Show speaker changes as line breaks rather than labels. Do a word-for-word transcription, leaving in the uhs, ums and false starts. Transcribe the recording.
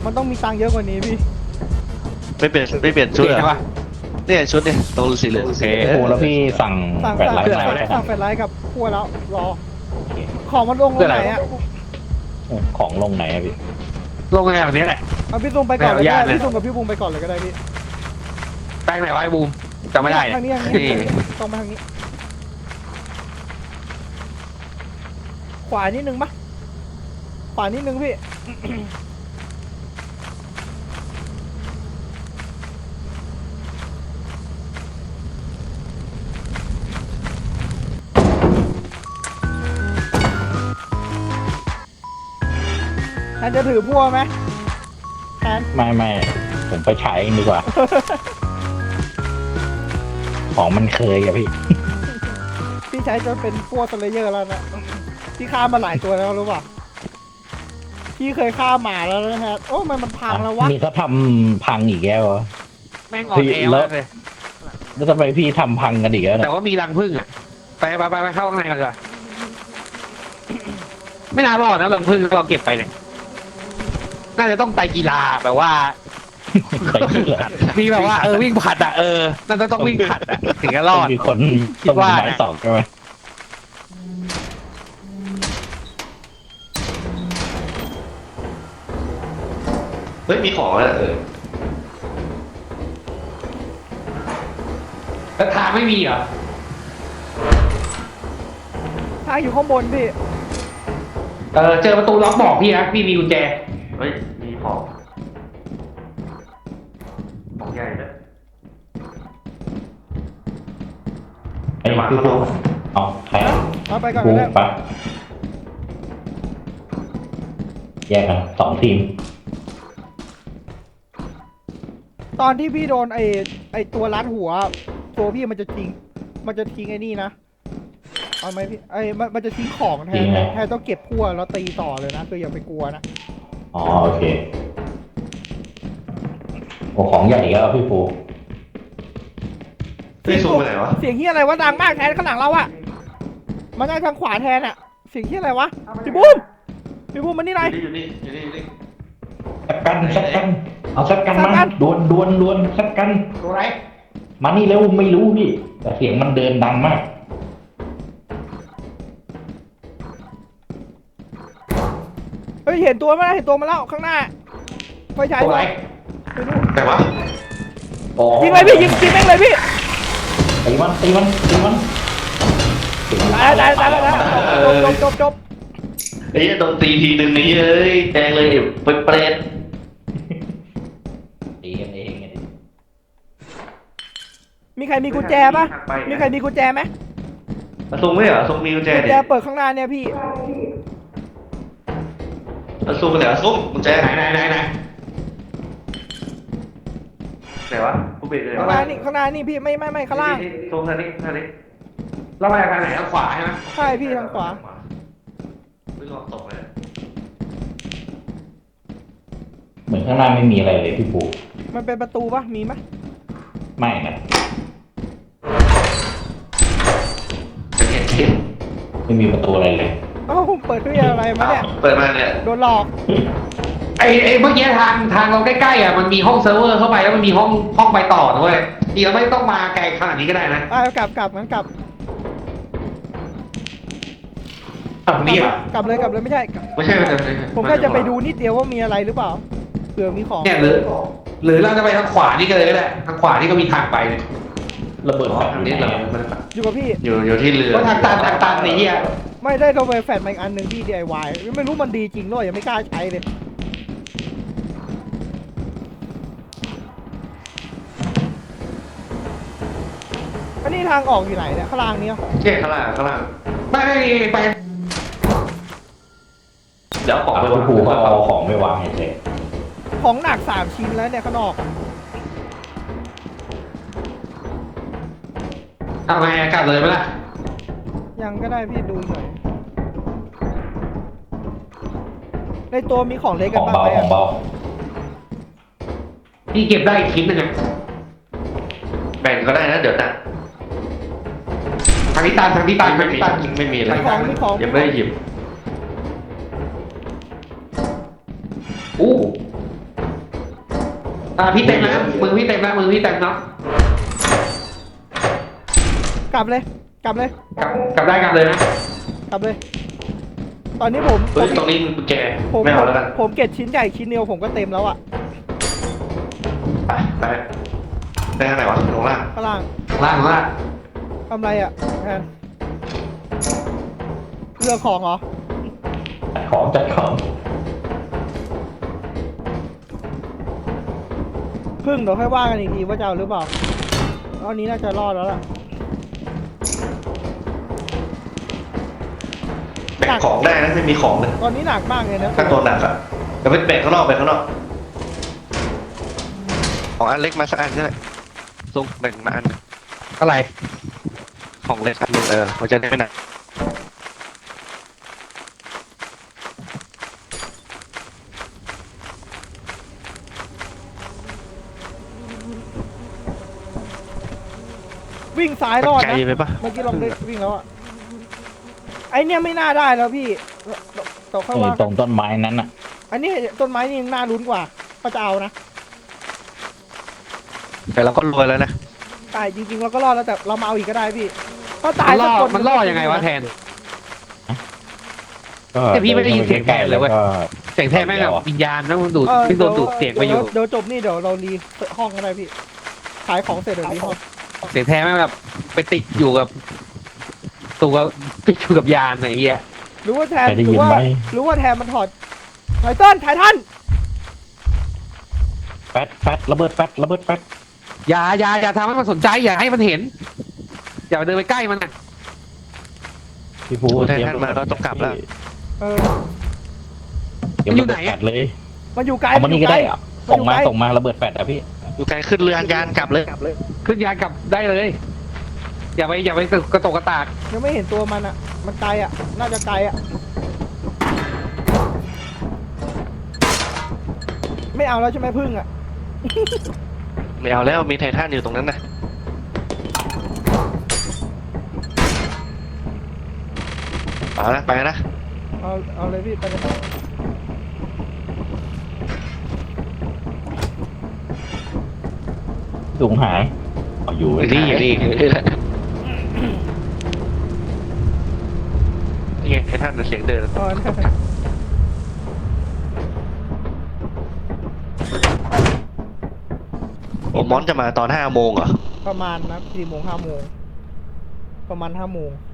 มันต้องมีตังค์เยอะกว่านี้พี่
ไม่เปลี่ยนไม่เปลี่ยนชุดเหรอเนี่ยชุดเนี่ยตรงสีเหลืองโอเค
โอ้แล้วพี่สั่ง
สั่ง
แปด
สั่ง
ไลน์มา
สั่งแฟลชไลท์กับพัวแล้วรอของมันลงลงไหนอะ
ของลงไหนอะพี่
ลงไงแบบนี้แหละ
เอาพี่ซุงไปก่อนเลยก็
ไม่
ได้
เอาญาติเลย
พี่ซุงกับพี่บูมไปก่อนเลยก็ได้พี่
แป้งไหนวะไอ้บูมจำไม่ได้
ทางนี้ทาง
นี่
นี้ตรงมาทางนี้ขวานิดนึงปะขวานิดนึงพี่ แทนจะถือพัวไหมแทน
ไม่ไม่ผมไปฉายเองดีกว่า ของมันเคยอะพี่
พี่ใช้จนเป็นพัวสเลเยอร์แล้วนะพี่ฆ่ามาหลายตัวแล้วรู้ป่ะพี่เคยฆ่าหมาแล้วนะฮะโอ้มันมันพังแล้ววะ
นี่เขาทำพังอีกแล้วเหรอ
แม่งอ่อนแอมากเลย
แล้วทำไมพี่ทำพังกันอีกแล้ว
แต่
เนี่ย
ว่ามีรังผึ้งอ่ะไปไปไปไปเข้าข้างในกันเลยไม่น่ารอดนะรังผึ้งเราเก็บไปเนี่ยน่าจะต้องไตรกีฬาแบบว่า
ไปที่เหรอ
มีแบบว่าเออวิ่งผัดอ่ะเออน่าจะต้องวิ่งผัดอ่ะถึงจะรอด
มีคน
คิ
ต้
ด
อง
ว่า
มีไม้สองใช่ไหม
เฮ้ยมีของแล้วเออ
แล้วทางไม่มีเหรอ
ทางอยู่ข้างบนพี่
เออเจอประตูล็อกบอกพี่นะพี่มีกุญแจ
เฮ้ยมีของของใหญ่เลย
ไอ้พี่ปุ๊เอาใคร
เอาไปก่อน
ปุ๊
ก็ได้
ปะแยกกันสองทีม
ตอนที่พี่โดนไอไอตัวรัดหัว ตัวพี่มันจะทิ้งมันจะทิ้งไอ้นี่นะเอาไหมพี่ไอมันมันจะทิ้งของแทนแทนต้องเก็บพัวแล้วตีต่อเลยนะคืออย่าไปกลัวนะ
อ๋อโอเคโอ้ของใหญ่อีกแล้วพี่ปู
พี่ซูมไปไหนวะ
เสียงที่อะไรวะดังมากแทนข้างหลังเราอะมันได้ทางขวาแทนอะเสียงที่อะไรวะพี่บูมพี่บูมมันนี่ไหน
อยู่นี่อยู่นี่อยู่นี่
สักกันสักกันเอาสักกัน
สักกั
มาน ดวนดวนดวนสักกัน
ตัวไหน
มานี่เร็วไม่รู้พี่แต่เสียงมันเดินดังมาก
เฮ้ยเห็นตัวมั้ยเห็นตัวมาแล้วข้างหน้าไฟฉาย
ตัวไหน
ไปดู
แต่ว่า
อ๋อ
ยิงเลยพี่ยิงยิงแม่งเลยพี่
ตีมันตีมันตีมันตีมัน
ตายตายตายตายจบจบจบจบ
ไอ้โดนตีทีหนึ่งนี้เอ้ยแดงเลยเป็นเปรต
ตีกันเองไงดิ
มีใครมีกุญแจปะมีใครมีกุญแจไหม
ซูมไม่เหรอซูมมีกุญแจ
กุญ
ดิ
แจเปิดข้างหน้าเนี่ยพี่
ซูมไปไหนวะซูมกุญแจ
ไหนไหนไหนไหน
ไหนวะผู้เบรกเลย
ข้างหน้านี่ข้างหน้านี่พี่ไม่ไม่ไม่ข้างล่าง
ซูมทางนี้ทางนี้
เราไปทางไหนทางขวาใช่ไหม
ใช่พี่ทางขวา
ไม่ลองตกเลย
เหมือนข้างหน้าไม่มีอะไรเลยพี่ปู
มันเป็นประตูปะมีไหม
ไม่นะ
เป็นเห็นทิศ
ไม่มีประตูอะไรเลย
เอ้าเปิดด้วยอะไรมาเนี่ย
เปิดมาเนี่ย
โดนหลอก
ไอ้ไอ้เมื่อกี้ทางทางเราใกล้ๆอ่ะมันมีห้องเซิร์ฟเวอร์เข้าไปแล้วมันมีห้องห้องไปต่อด้วยดีเราไม่ต้องมาไกลขนาดนี้ก็ได้นะ
อ่ะกลับกลับงั้นกลับ
ตรงนี้อ่ะ
กลับเลยกลับเลยไม่ใช่กลับ
ไม่ใช่ไม่ใช่ไม่ใช่
ผมก็จะไปดูนิดเดียวว่ามีอะไรหรือเปล่าเผื่อมีของ
เนี่ยหรือหรือเราจะไปทางขวานี่ก็เลยก็ได้ทางขวานี่ก็มีทางไปเนี่ย
ระเบิด
อ๋อ
แบบ
ทาง
นี้
นี้
เหร
เรา
อ
ไม่ได้ไป
อยู่กับพี่
อยู่อยู่ที่เรือ
เพราะทางตันทางตันไอ้เหี้ย
ไม่ได้โดนไปแฟนมาอีกอันหนึ่งที่ ดี ไอ วาย ไม่รู้มันดีจริงด้วยยังไม่กล้าใช้เลยอันนี้ทางออกอยู่ไหนเนี่ยข้างล่างเนี้ย
เจ๊ข้างล่างข้างล่าง
ไม่ไม่ไป
เดี๋ยวของ
เอา
ไป
พี่
วาง
ปูก็เอาของไปวางเฉย
ของหนักสามชิ้นแล้วเนี่ยข้างนอก
ทำไงอะกลับเลยไหมล่ะ
ยังก็ได้พี่ดูหน่อยในตัวมีของเล็ก
ข
กั
อน ง
บ้าง
เบา
ไหม
ของ
อะ
เบา
พี่เก็บได้อีกชิ้นหนึงอะ
แบ่งก็ได้นะเดี๋ยวนะ
ทางนี้ตันทางนี้ตันทางนี้ตัน
ไม่มีอะไร
มีของมีของ
ยังไม่ได้หยิบ
อู้อ่าพี่เต็มนะมือพี่เต็มนะมือพี่เต็มเนาะ
กลับเลย กลับเลย
กลับกลับได้กลับเลยนะ
กลับเลย ตอนนี้ผม
เฮ้ยตรงนี้กุญแจ
ผม
ไม่เอาแล้วกัน
ผมเก็บชิ้นใหญ่ชิ้นเดียวผมก็เต็มแล้วอะ
ไปไปไปทางไหนวะลงล่าง
ข้างล่าง
ล่างล่าง
ทำไรอะแทนเรือของเหรอ
จัดของจัดของ
พึ่งเดี๋ยวค่อยว่ากันอีกทีว่าจะเอาหรือเปล่าตอนนี้น่าจะรอดแล้วล่ะ
แบกของได้นะไม่มีของเลย
ตอนนี้หนักมากเลยนะ
ถ้าตัวหนักอะเดี๋ยวไปแบกข้างนอกแบกข้างนอกของอันเล็กมาสักอันก็ได้ซุงแบ่งมาอันหนึ่ง
อะไร
ของเล็กอันหนึงเออมันจะได้ไม่หนัก
วิ่งซ้ายรอด
ไกล
นะ
ไปปะ
เมื่อกี้ลองได้วิ่งแล้วอะไอเนี่ยไม่น่าได้แล้วพี่ต่อค่อย
เออ
ว่า
ตรงต้นไม้นั้นอ่ะ
อันนี้ต้นไม้นี่น่าลุ้นกว่าก็จะเอานะ
แต่เราก็รวยแล้วนะ
ตายจริงๆเราก็รอดแล้วแต่เรามาเอาอีกก็ได้พี่ถ้าตา
มั
ย
นล่
สั
อก
คน
มันล่อยังไงวะแทน
ก็
แต่พี่ไม่ได้ยินเสียงแกนเลยเว้ย
ก็
เสียงแทนแม่งแบบวิญญาณนะมันดูด
เออ
ไม่โดนดูดเสียงไปอยู่
เดี๋วเดี๋ยวจบนี่เดี๋ยวเรารีห้องก็ได้พี่ขายของเสร็จเดี๋ยวรีห้อง
เสียงแทนแม่งแบบไปติดอยู่กับตัวติดอยู่กับยานอะไรเงี้ย
หรือว่าแทน
ใครได้
หรื
ยิน
ว่า
ไหม
หรือว่าแทนมันถอดไทเติ้ลไททัน
แฟดแฟดระเบิดแฟดระเบิดแฟด
อย่าอย่าอย่าทำให้มันสนใจอย่าให้มันเห็น อย่าเดินไปใกล้มันนะ
พี่ภู
โอ้
เตรีย
แทนมาก็ต้องกลับแล้ว
เออ
เตรียมระเบิดแฟดเลย
มันอยู่ไกล
เอามานี่ก็ได้อะ
มัน
ส่
อง ยู่
มา
ไกล
ส่งมาระเบิดแฟดอะพี่
อยู่ไกลขึ้นเรือยานยานกลับเลย
ขึ้นยานกลับได้เลย อย่าไปอย่าไปกระตกกระตาก
ยังไม่เห็นตัวมันอ่ะ มันไกลอ่ะ น่าจะไกลอ่ะ ไม่เอาแล้วใช่ไหมพึ่งอ่ะ
ไม่เอาแล้วมีไททันอยู่ตรงนั้นนะเอาละไปนะ
เอาเอาเลยพี่ไปเลย
สูงหายเอาอยู่
อยู่นี่อยู่นี่อยู่นี่แหละนี่ไงไททันเสียงเดิน
เอานะ
โอมอนจะมาตอนห้าโมงเหรอ
ประมาณนะสี่โมงห้าโมงประมาณห้าโมง